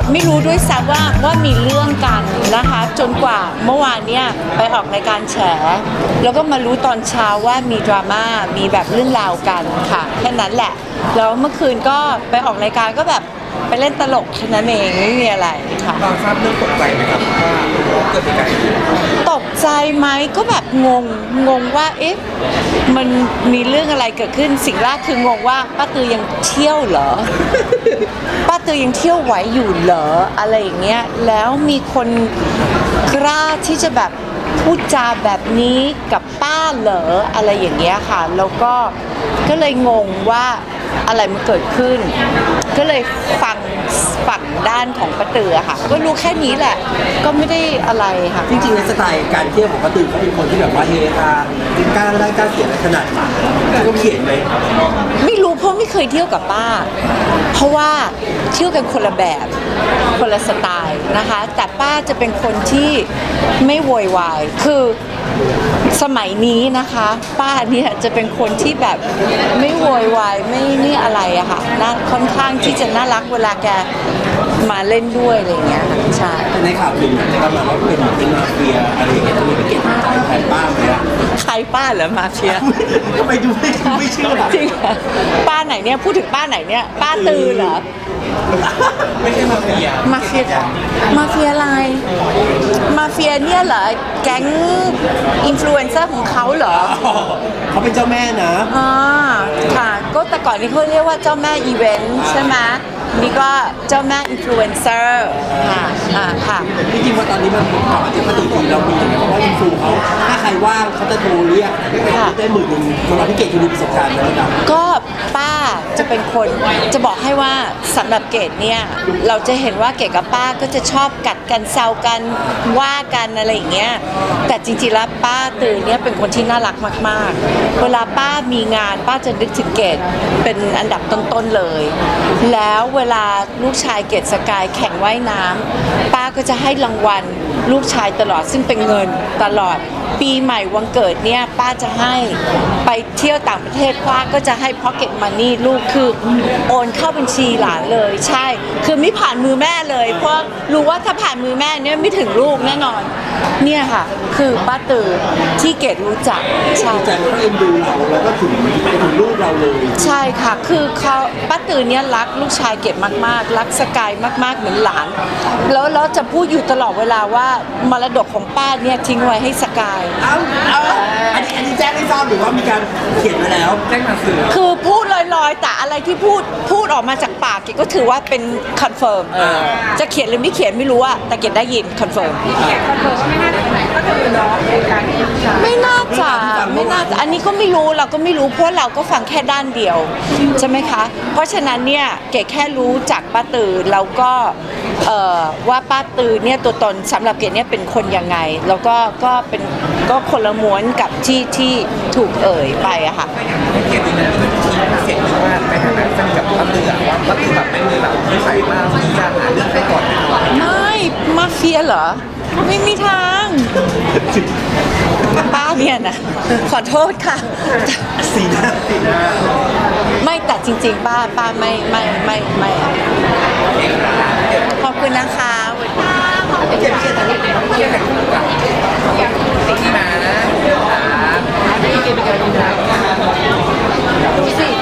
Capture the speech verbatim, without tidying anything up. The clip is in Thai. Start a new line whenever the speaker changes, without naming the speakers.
ไม่รู้ด้วยซ้ำว่าว่ามีเรื่องกันนะคะจนกว่าเมื่อวานเนี่ยไปออกรายการแฉแล้วก็มารู้ตอนเช้าว่ามีดราม่ามีแบบเรื่องราวกันค่ะแค่นั้นแหละแล้วเมื่อคืนก็ไปออกรายการก็แบบไปเล่นตลกแค่นั้นเองไม่มีอะไรค่ะ
ตอนทราบเรื่องตกใจไหมครับว่าเกิดเหตุการณ์ขึ้น
ตกใจไหมก็แบบงงงงว่าเอ๊ะมันมีเรื่องอะไรเกิดขึ้นสิ่งแรกคืองงว่าป้าตือยังเที่ยวเหรอ ป้าตือยังเที่ยวไหวอยู่เหรออะไรอย่างเงี้ยแล้วมีคนกล้าที่จะแบบพูดจาแบบนี้กับป้าเหรออะไรอย่างเงี้ยค่ะแล้วก็ก็เลยงงว่าอะไรมันเกิดขึ้นก็เลยฟังฝั่งด้านของป้าตือค่ะก็รู้แค่นี้แหละก็ไม่ได้อะไรค่ะ
จริงๆในสไตล์การเที่ยวของป้าตือเขาเป็นคนที่แบบว่าเฮฮากล้าได้กล้าเขียนอะไรขนาดนี้เขาเขียนไหม
ไม่รู้เพราะไม่เคยเที่ยวกับป้าเพราะว่าเที่ยวกันคนละแบบคนละสไตล์นะคะแต่ป้าจะเป็นคนที่ไม่โวยวายคือสมัยนี้นะคะป้าเนี่ยจะเป็นคนที่แบบไม่โวยวายไม่นี่อะไรอะค่ะน่าค่อนข้างที่จะน่ารักเวลาแกมาเล่นด้วยอะไรอย่างเงี้ยใช่
ในข่าวลือนะครับแบบว่าเป็นเป็นมาเฟียอะไรอย่างเงี้ยจะมีไปเก็บใจแทนป้าไหมอะ
ใครป้าเหรอมาเฟีย
ทำไมดูไม่ไม่เชื่อ
จริงป้าไหนเนี่ยพูดถึงป้าไหนเนี่ยป้าตือเหรอ
ไม่ใช่มาเฟีย
มาเฟียมาเฟียอะไรมาเฟียเนี่ยเหรอแก๊งอินฟลูเอนเซอร์ของเขาเหรอ
เขาเป็นเจ้าแม่นะ
อ่าค่ะก็แต่ก่อนนี้เขาเรียกว่าเจ้าแม่อีเวนต์ใช่ไหมนี่ก็เจ้าแม่อินฟลูเอนเซอร์ค่ะอ่าค่ะ
จริงๆว่าตอนนี้มันกลับมาเจอป้าตือทีเรามีอย่างเงี้ยเพราะว่าอินฟูเขาถ้าใครว่างเขาจะโทรเรียกได้หมื่นหนึ่งคนเราพี่เกดคือมีประสบการณ์แล้วนะ
ก็ป้าจะเป็นคนจะบอกให้ว่าสำหรับเกดเนี่ยเราจะเห็นว่าเกดกับป้าก็จะชอบกัดกันแซวกันว่ากันอะไรอย่างเงี้ยแต่จริงๆแล้วป้าตือเนี่ยเป็นคนที่น่ารักมากๆเวลาป้ามีงานป้าจะนึกถึงเกดเป็นอันดับต้นๆเลยแล้วเวลาลูกชายเกดสกายแข่งว่ายน้ำป้าก็จะให้รางวัลลูกชายตลอดซึ่งเป็นเงินตลอดปีใหม่วันเกิดเนี่ยป้าจะให้ไปเที่ยวต่างประเทศป้าก็จะให้พ็อกเก็ตมันนี่ลูกคือโอนเข้าบัญชีหลานเลยใช่คือไม่ผ่านมือแม่เลยเพราะรู้ว่าถ้าผ่านมือแม่เนี่ยไม่ถึงลูกแน่นอนเนี่ยค่ะคือป้าตือที่เกดรู้จักใช่
ใจเขาเอ็นดูเราแล้วก็ถึงไปถึงลูกเราเลย
ใช่ค่ะคือเขาป้าตือเนี่ยรักลูกชายเกดมากๆรักสกายมากๆเหมือนหลานแล้วแล้วจะพูดอยู่ตลอดเวลาว่ามรดกของป้าเนี่ยทิ้งไว้ให้สกาย
เอาเอาอันนี้อันนี้แจ้งให้ทราบหรือว่ามีการเขียนมาแล้ว
แจ้งมาสื่อ
คือพูดลอยๆแต่อะไรที่พูดพูดออกมาจากปากเกดก็ถือว่าเป็นคอนเฟิร์มจะเขียนหรือไม่เขียนไม่รู้อะแต่เกดได้ยินคอนเฟิร์มไม่น่าจะไม่น่าจะอันนี้ก็ไม่รู้เราก็ไม่รู้เพราะเราก็ฟังแค่ด้านเดียวใช่ไหมคะเพราะฉะนั้นเนี่ยเกดแค่รู้จากป้าตือแล้วก็ว่าป้าตือเนี่ยตัวตนสำหรับเกดเนี่ยเป็นคนยังไงแล้วก็ก็เป็นก็คนละม้วนกับที่ที่ถูกเอ่ยไปอะค่ะ
เกดเนี่ยเสียงว่าในฐานะสนิทกับป้าตือว่าป้าตือแบบไม่มีแบบไม่ใส่มากมีการหาเรื่องใครก่อน
ไม่มาเฟียเหรอไม่มีทางป้าเนี่ยนะขอโทษค่ะ
สีหน้าสีหน้า
ไม่แต่จริงๆป้าป้าไม่ไม่ไม่ไม่ขอบคุณนะคะ
เกดเกดเกดตอนนี้เกดแต่งกับติ๊กมานะเกดเป็นการดูแลดูสิ